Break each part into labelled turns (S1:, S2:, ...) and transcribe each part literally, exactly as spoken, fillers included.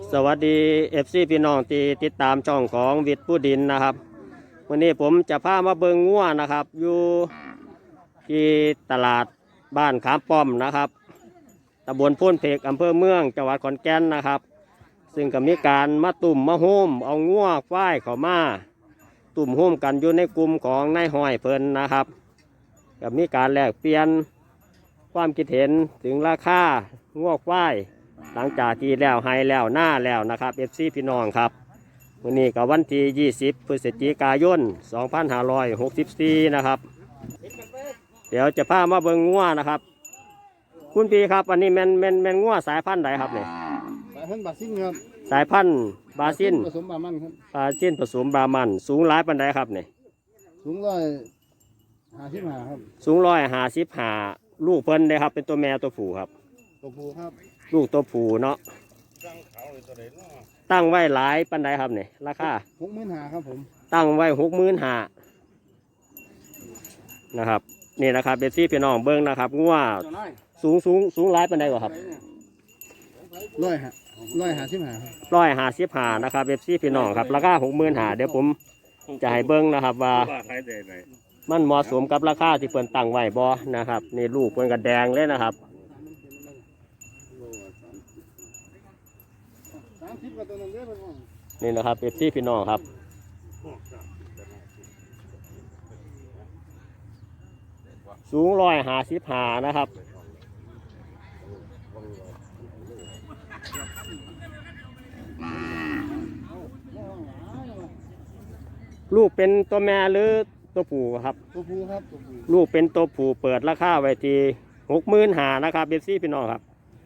S1: สวัสดีเอฟซีพี่น้องที่ติดตามช่องของวิทย์ผู้ดินนะครับวันนี้ผมจะพามาเบิงงัวนะครับอยู่ที่ตลาดบ้านขามป้อมนะครับตำบลพ้นเพกอำเภอเมืองจังหวัดขอนแก่นนะครับซึ่งก็มีการมาตุ่มมาโฮมเอางัวควายเข้ามาตุ่มโฮมกันอยู่ในกลุ่มของนายห้อยเพิ่นนะครับก็มีการแลกเปลี่ยนความคิดเห็นถึงราคางัวควายหลังจากที่แล้วให้แล้วหน้าแล้วนะครับเอฟซีพี่น้องครับวันนี้ก็วันที่ยี่สิบพฤศจิกายนสองพันห้าร้อยหกสิบสี่นะครับเดี๋ยวจะพามาเบิ่งงัวนะครับคุณพี่ครับอันนี้แมนแมนแมนงัวสายพันธุ์ใดครับเนี่ย
S2: สายพันธุ์บาซินครับ
S1: สายพันธุ์บาซิน
S2: ผสมบามันครับ
S1: บาซินผสมบามันสูงหลายปันใดครับเนี่ย
S2: สูงร้อยห้าสิบห้าครับ
S1: สูงร้อยห้าสิบห้าลูกเพิ่นเลยครับเป็นตัวแม่ตัวผู้ครับ
S2: ตัวผู้ครับ
S1: ลูกตัวผู้เนาะตั้งไว้หลายปันใดครับเนี่ยราคา
S2: หกหมื่นห้าครับผม
S1: ตั้งไว้หกหมื่นห้านะครับนี่นะครับเบสซี่พี่น้องเบิ้งนะครับงัวสูงสูงสูงหลายปันใดกว่าครับ
S2: ร้อยห้าร้อยห้าสิบห้า
S1: ร้อยห้าสิบห้านะครับเบสซี่พี่น้องครับราคาหกหมื่นห้าเดี๋ยวผมจะให้เบิ้งนะครับว่ามันเหมาะสมกับราคาที่เพิ่นตั้งไว้บ่นะครับนี่ลูกเพิ่นกระแดงเลยนะครับนี่นะครับเอฟซีพี่น้องครับสูงร้อยห้าสิบห้านะครับลูกเป็นตัวแม่หรือตัวผู้ครับ
S2: ตัวผู้ครับ
S1: ลูกเป็นตัวผู้เปิดราคาไว้ที่หกหมื่นห้านะครับเอฟซีพี่น้องครับ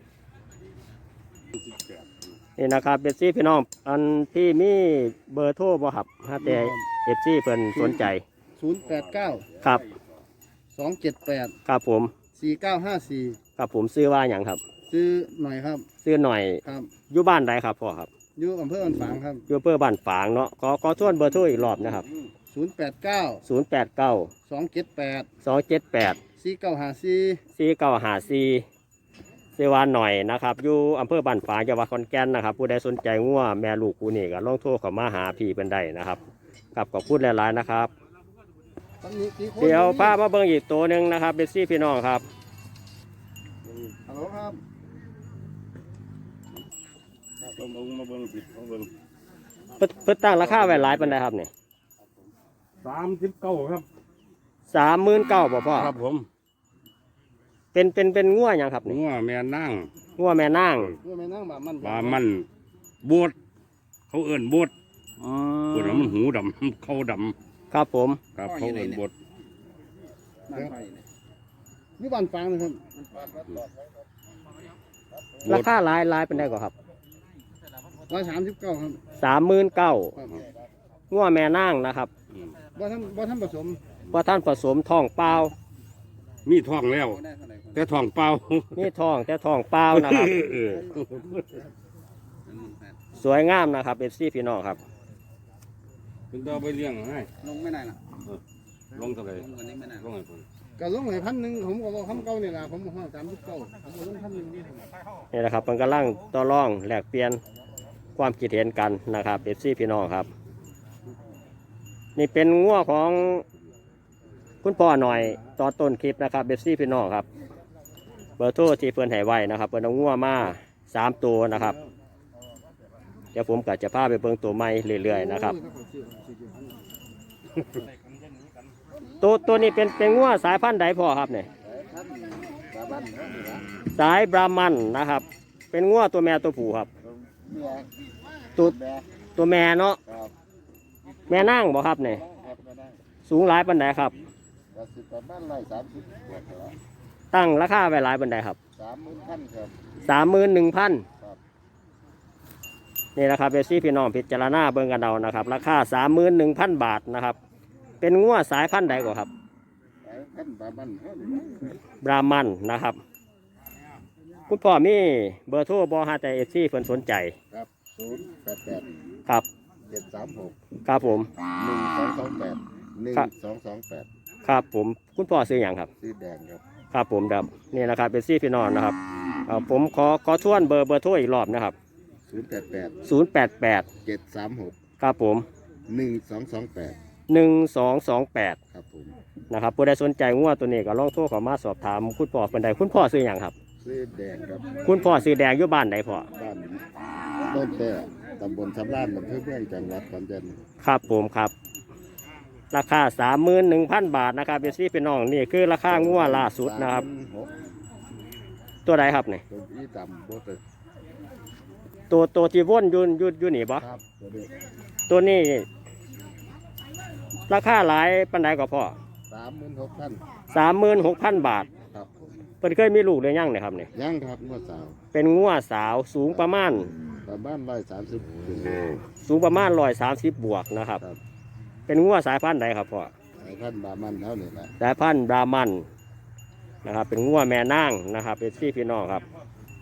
S1: นี่นะครับเอฟซีพี่น้องอันที่มีเบอร์โทรบ่ครับถ้าแต่เอฟซีเพิ่นสนใจ
S2: ศูนย์แปดเก้า
S1: ครับ
S2: สองเจ็ดแปด
S1: ครับผม
S2: สี่เก้าห้าสี่
S1: ครับผมซื้อว่าอย่างครับ
S2: ซื้อหน่อยครับ
S1: ซื้อหน่อย
S2: ครับ
S1: อยู่บ้านใดครับพ่อครับ
S2: อยู่อำเภอบ้านฝางครับ
S1: อยู่อำเภอบ้านฝางเนาะขอขอทวนเบอร์โทรอีกรอบนะครับ
S2: ศูนย์แปดเก้า
S1: ศูนย์แปดเก้า
S2: สองเจ็ดแปด
S1: สองเจ็ดแปด
S2: สี่เก้าห้าสี่
S1: สี่เก้าห้าสี่เซวานหน่อยนะครับอยู่อำเภอบ้านฝางจังหวัดขอนแก่นนะครับผู้ใดสนใจงัวแม่ลูกกูนี่ก็ลองโทรเข้ามาหาพี่เป็นได้นะครับกับขอบคุณหลายๆนะครับเดี๋ยวพามาเบิ่งอีกตัวหนึ่งนะครับเบสซี่พี่น้องครับ
S2: ฮัลโหลครับ
S1: มาเบิ่งผิดมาเบิ่งเพิ่นตั้งราคาไว้หลายปันใดครับเนี่ย
S2: สามสิบเก้าครับ
S1: สามหมื่นเก้าบ่พ่อ
S2: ครับผม
S1: เป็นเป็นเป็นงัวอย่างครับ
S2: งัวแม่นั่ง
S1: งัวแม่นั่ง
S2: งัวแม่นั่งบามัน
S3: บามันบวชเขาเอิ่นบวชบวชแล้วมันหูดำเขาดำ
S1: ครับผม
S3: ครับเขาเอิ่นบวช
S2: นี่บ้านฟางนะครับ
S1: ราคาหลายหลายเป็นได้ก่อนครับ
S2: ร้อยสามสิบเก้าครับ
S1: สามหมื่นเก้างัวแม่นั่งนะครับ
S2: บ่ท่านบ่ท่านผสม
S1: บ่ท่านผสมทองเปล่า
S3: มีทองแล้วแต่ทองเปล่า
S1: มีทองแต่ทองเปล่านะครับสวยงามนะครับเอฟซีพี่น้องครับ
S3: คุณต้องไปเลี้ยงให้
S2: ลงไม่ได้นะ
S3: ลงเท่าไหร่ลงให้คน
S2: ก็ลงให้พันหนึ่งผมก็บอกคำเก่าเนี่ยแหละผมบอกสามสิบเก้าผมก็ลงพันหนึ่งนี่
S1: นี่แหละครับมันกำลังต่อรองแลกเปลี่ยนความคิดเห็นกันนะครับเอฟซีพี่น้องครับนี่เป็นงัวของคุณพ่อหน่อยตอนต้นคลิปนะครับเบสซี่พี่น้องครับเบอร์โทรที่เพื่อนให้ไว้นะครับเพื่อนเอางัวมาสามตัวนะครับเดี๋ยวผมก็จะพาไปเบิ่งตัวใหม่เรื่อยๆนะครับตัวตัวนี้เป็นเป็นงัวสายพันธุ์ใดพ่อครับเนี่ยสายบรามันนะครับเป็นงัวตัวแม่ตัวผู้ครับตัวตัวแม่เนาะแม่นั่งบ่ครับเนี่ยสูงหลายปันใดครับตั้งราคาไว้หลายปันใดครับ
S2: สามหมื่นพันครับ
S1: สามหมื่นหนึ่งพันนี่นะครับเบสซี่พี่น้องพิจารณาเบิ่งกันเอานะครับราคาสามหมื่นหนึ่งพันบาทนะครับเป็นงัวสายพันธุ์ใดกว่าครับบรามันนะครับคุณพ่อมีเบอร์โทรบอฮาแต่เอฟซีเพิ่นสนใจ
S2: ครับศูนย์แปดแปด
S1: ครับ
S2: เจ็ดสามหก
S1: ครับผม
S2: หนึ่งสองสองแปดหนึ่งสองสองแปด
S1: ครับผมคุณพ่อซื้ออย่างครับ
S2: ซื้อแดงครับ
S1: ครับผมครับนี่นะครับเป็นซี่พี่น้องนะครับผมขอขอทวนเบอร์เบอร์โทรอีกรอบนะครับ
S2: ศูนย์แปดแปด
S1: ศูนย์แปดแปด
S2: เจ็ดสามหก
S1: ครับผม
S2: หนึ่งสองสองแปด
S1: หนึ่งสองสองแปด
S2: ครับผม
S1: นะครับผู้ใดสนใจงัวตัวนี้ก็ลองโทรเข้ามาสอบถามคุณพ่อเป็นใดคุณพ่อซื้ออย่างครับ
S2: ซื้อแดงครับ
S1: คุณพ่อซื้อแดงอยู่บ้านใดพ่อ
S2: บ้านต้นแต่ตำบลสำรานอำเภอเมืองจังหวัดขอนแก่น
S1: ครับผมครับ ราคาสามหมื่นหนึ่งพันบาทนะครับเป็นซี่เป็นน้องนี่คือราคางัวล่าสุดนะครับ
S2: สามหก
S1: ตัวใดครับนี่
S2: ตัวอีดำโบเตอร์
S1: ตัวตัวที่ว่นอยุนยุนยุนี่บ่
S2: ครับตัวนี้
S1: ตัวนี้ ราคาหลายปันใดก็พอ
S2: สามหมื่นหกพัน
S1: สามหมื่นหกพันบาท
S2: ครับผม
S1: เพิ่นเคยมีลูกหรือยังเนี่ยครับนี่
S2: ยังครับเมื่อสาว
S1: เป็นงัวสาวสูงประมาณ
S2: ประมาณร้อยสามสิบ
S1: สูงประมาณร้อยสามสิบบวกนะครับ
S2: ครับ
S1: เป็นงัวสายพันธุ์ใดครับพ่อ
S2: สายพันธุ์บามันเท่านี้แหละ
S1: สายพันธุ์บรามันนะครับ เป็นงัวแม่นางนะครับ เป็นซี่พี่น้องครับ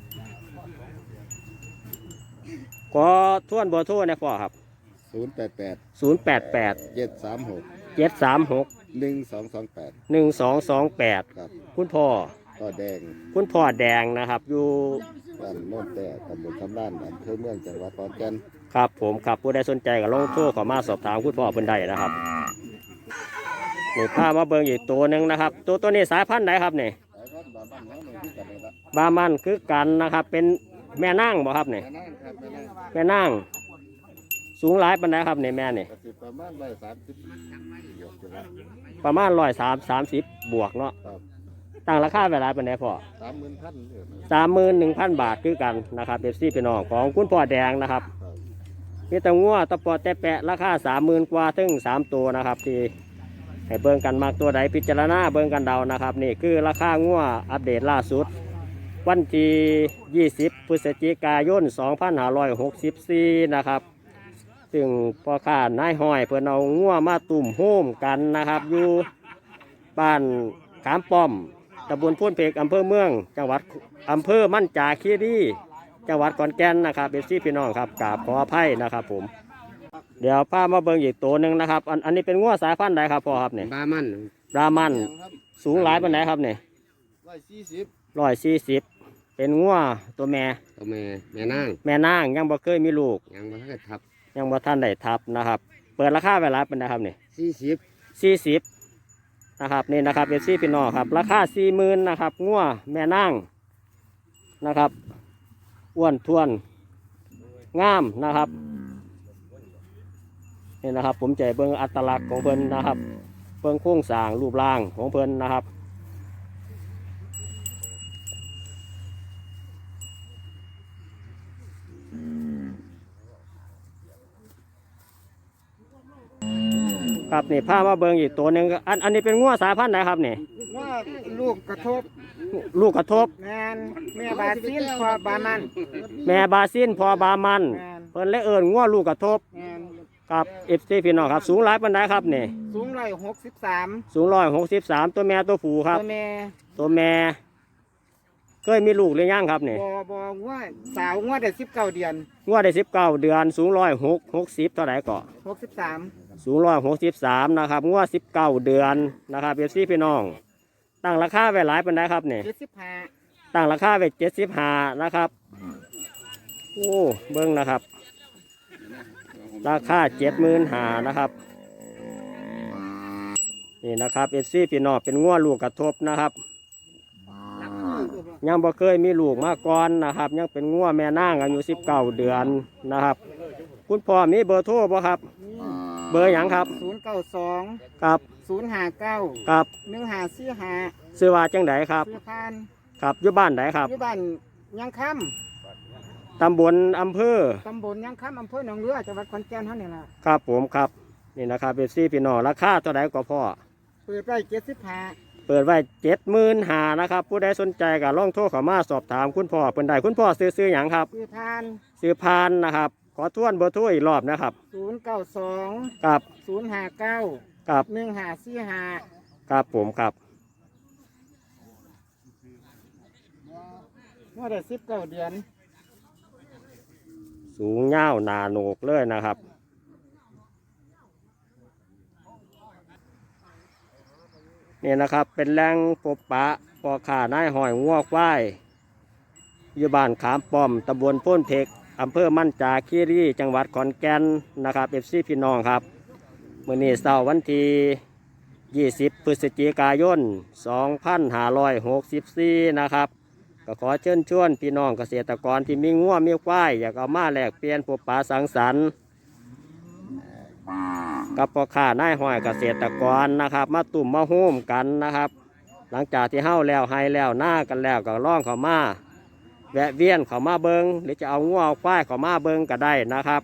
S1: ขอทวนเบอร์โทรนะพ่อครับ
S2: ศูนย์แปดแปด
S1: ศูนย์แปดแปด
S2: เจ็ดสามหก
S1: เจ็ดสามหก
S2: หนึ่งสองสองแปด
S1: หนึ่งสองสองแปด
S2: ครับ
S1: คุณพ่อ
S2: ต่อแดง
S1: คุณพ่อแดงนะครับ อยู่
S2: บ้านโน่นแต่ตำบลสำรานอำเภอเมืองจังหวัดขอนแก่น
S1: ครับผมครับผู้ใดสนใจก็ลองโทรเข้ามาสอบถามคุณพ่อเพิ่นได้นะครับนี่พามาเบิ่งอีกตัวหนึ่งนะครับ ตัวตัวนี้สายพันธุ์ไหนครับนี่
S2: สายพันธุ์บามันเท่านี้ที่กันเลยละ
S1: บามันคือกันนะครับ เป็นแม่นางบ่ครับนี่
S2: แม่นั่งครับแม่นั่ง
S1: แม่นางสูงหลายปานใดครับนี่แม่นี่
S2: กระสิบประมาณร้อยสามสิบหยกอยู่ละ
S1: ประมาณร้อยสามสามสิบบวกเนาะ
S2: ครับ
S1: ตั้งราคาไว้หลายปานใดพ่อ
S2: สามหมื่นพันเนี่ยนะ
S1: สามหมื่นหนึ่งพันบาทคือกันนะครับเบปซี่พี่น้องของคุณพ่อแดงนะครับ
S2: ครับ
S1: มีแตะงัวตะปอดแต่แปะราคาสามหมื่นกว่าถึงสามตัวนะครับ ที่ให้เบิ่งกันมากตัวใดพิจารณาเบิ่งกันเดานะครับ นี่คือราคางัวอัปเดตล่าสุด วันที่ยี่สิบพฤศจิกายนสองพันห้าร้อยหกสิบสี่นะครับ ซึ่งพ่อค้านายห้อยเพื่อนเอางัวมาตุ่มโฮมกันนะครับ อยู่บ้านขามป้อมตำบลพุ่นเพกอำเภอเมือง จังหวัดอำเภอมั่นจาคีรีจังหวัดขอนแก่นนะครับเบซี่พี่น้องครับกราบขออภัยนะครับผม เดี๋ยวพามาเบิ่งอีกตัวหนึ่งนะครับ อันอันนี้เป็นงัวสายพันธุ์ใดครับพ่อครับเนี่ย
S2: บามัน
S1: รามัน
S2: ครับ
S1: สูงหลายปานใดครับเนี่ย
S2: ร้อยสี่สิบ
S1: ร้อยสี่สิบเป็นงัวตัวแม่
S2: ตัวแม่แม่นั่ง
S1: แม่นางยังบ่เคยมีลูก
S2: ยังไม่ได้ทับ
S1: ยังบ่ท่านได้ทับนะครับ เปิดราคาไว้หลายปานใดครับเนี่ย
S2: สี่สิบ
S1: สี่สิบนะครับนี่นะครับเป็นซี่พี่น้องครับ ราคาสี่หมื่นนะครับงัวแม่นางนะครับอ้วนท้วนงามนะครับนี่นะครับ ผมจะเบิ่งอัตลักษณ์ของเพิ่นนะครับเบิ่งโครงสร้างรูปร่างของเพิ่นนะครับครับนี่พามาเบิ่งอีกตัวหนึ่งอันอันนี้เป็นงัวสายพันธุ์ไหนครับนี่
S4: ว่าลูกกระทบ
S1: ลูกกระทบ
S4: แมนแม่บาซิลพอบามัน
S1: แม่บาซินพอบามัน
S4: แมน
S1: เพิ่นเลยเอิ้นงัวลูกกระทบ
S4: แมน
S1: ครับเอฟซีพี่น้องครับสูงหลายปานใดครับนี่
S4: สูงร้อยหกสิบสาม
S1: สูงร้อยหกสิบสามตัวแม่ตัวผู้ครับ
S4: ตัวแม่
S1: ตัวแม่เคยมีลูกหรือยังครับนี่
S4: บอบอว่าสาวงวดได้สิบเก้าเดือน
S1: งวดได้สิบเก้าเดือนสูงร้อยหกหกสิบเท่าไหร่ก็
S4: หกสิบสาม
S1: สูงร้อยหกสิบสามนะครับงวดสิบเก้าเดือนนะครับเอฟซีพี่น้อง ตั้งราคาไว้หลายปานใดครับนี่
S4: เจ็ดสิบห้า
S1: ตั้งราคาไว้เจ็ดสิบห้านะครับโอ้เบิ้งนะครับ ราคาเจ็ดหมื่นห้านะครับนี่นะครับเอฟซีพี่น้องเป็นงัวลูกกระทบนะครับ ยังบ่เคยมีลูกมาก่อนนะครับ ยังเป็นงัวแม่นางอายุสิบเก้าเดือนนะครับ คุณพ่อมีเบอร์โทรบ่ครับ เบอร์หยังครับ
S4: ศูนย์เก้าสอง
S1: ครับ
S4: ศูนย์ห้าเก้า
S1: ครับ
S4: หนึ่งห้าสี่ห้า
S1: ซื้อว่าจังไดครับ
S4: ซื้อพาน
S1: ครับอยู่บ้านไดครับ
S4: อยู่บ้านยังค่
S1: ตำบลอำเภอ
S4: ำตำบลยังค่ำอำเภอหนองเรือจังหวัดขอนแก่นเท่านี้ล่ะ
S1: ครับผมครับนี่นะครับเอฟซีพี่น้องราคาเท่าไหร่ก็พ่อ
S4: เปิดไว้เจ็ดสิบห้า
S1: เปิดไว้เจ็ดหมื่นหานะครับ ผู้ใดสนใจก็ลองโทรเข้ามาสอบถามคุณพ่อเพิ่นได้คุณพ่อซื้อซื้ออย่างครับ
S4: ซื้อพาน
S1: ซื้อพานนะครับ ขอทวนเบอร์โทรอีกรอบนะครับ
S4: ศูนย์เก้าสอง
S1: ครับ
S4: ศูนย์ห้าเก้า
S1: ครับ
S4: หนึ่งห้าสี่ห้า
S1: ครับผมครับ
S4: งวดได้สิบเก้าเดือน
S1: สูงเง่าวหนาโหนกเลยนะครับนี่นะครับเป็นแหล่งพบปะปอข่านายหอยงัวควายอยู่บ้านขามป้อมตำบลโพ้นเพกอำเภอมั่นจาคีรีจังหวัดขอนแก่นนะครับเอฟซีพี่น้องครับมื้อนี้เสาร์วันที่ยี่สิบพฤศจิกายนสองพันห้าร้อยหกสิบสี่นะครับก็ขอเชิญชวนพี่น้องเกษตรกรที่มีงัวมีควายอยากเอามาแลกเปลี่ยนพบปะสังสรรค์กับพ่อค้านายห้อยเกษตรกรนะครับมาตุ่มมาโฮมกันนะครับหลังจากที่เฮ้าแล้วให้แล้วหน้ากันแล้วก็ล่องเขามาแวะเวียนเขามาเบิงหรือจะเอางัวเอาควายเขามาเบิงก็ได้นะครับ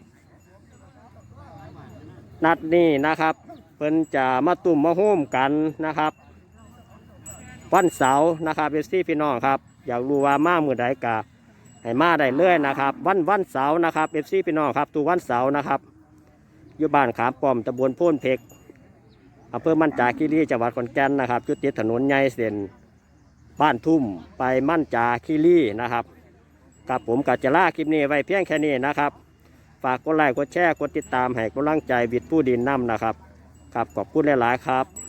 S1: นัดนี้นะครับเพิ่นจะมาตุ่มมาโฮมกันนะครับวันเสาร์นะครับเอฟซีพี่น้องครับอยากรู้ว่ามาเมื่อใดกะให้มาได้เลยนะครับวันวันเสาร์นะครับเอฟซีพี่น้องครับทุกวันเสาร์นะครับอยู่บ้านขามป้อมตำบลโพนเพกอำเภอมั่นจาคีรีจังหวัดขอนแก่นนะครับจุดติดถนนใหญ่เส้นบ้านทุ่มไปมั่นจาคีรีนะครับกับผมกัจจลาคลิปนี้ไว้เพียงแค่นี้นะครับฝากกดไลค์กดแชร์กดติดตามให้กำลังใจวิทย์ผู้ดินน้ำนะครับครับขอบคุณหลายๆครับ